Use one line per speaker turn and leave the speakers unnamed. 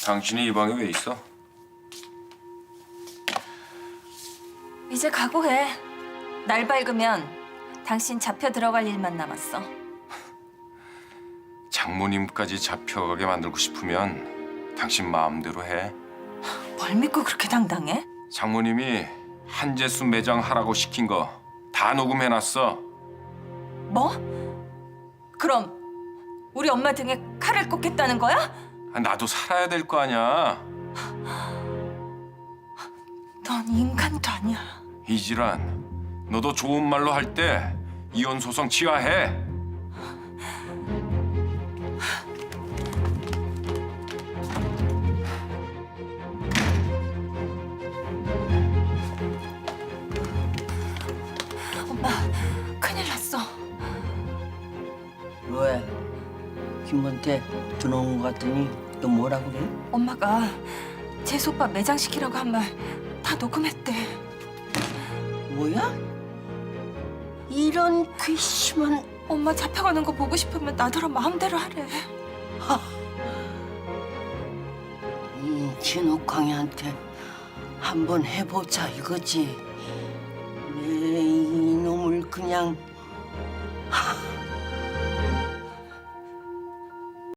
당신이 이 방에 왜 있어?
이제 각오해. 날 밝으면 당신 잡혀 들어갈 일만 남았어.
장모님까지 잡혀가게 만들고 싶으면 당신 마음대로 해.
뭘 믿고 그렇게 당당해?
장모님이 한재수 매장 하라고 시킨 거 다 녹음해놨어.
뭐? 그럼 우리 엄마 등에 칼을 꽂겠다는 거야?
나도 살아야 될 거 아니야.
넌 인간도 아니야.
이질환, 너도 좋은 말로 할 때 이혼 소송 취하해.
엄마, 큰일 났어.
왜? 김한테 들어온 것 같더니 또 뭐라 그래?
엄마가 재수 오빠 매장시키라고 한 말 다 녹음했대.
뭐야? 이런 괘씸한...
엄마 잡혀가는 거 보고 싶으면 나더러 마음대로 하래.
이 진욱광이한테 한번 해보자 이거지. 내 이놈을 그냥...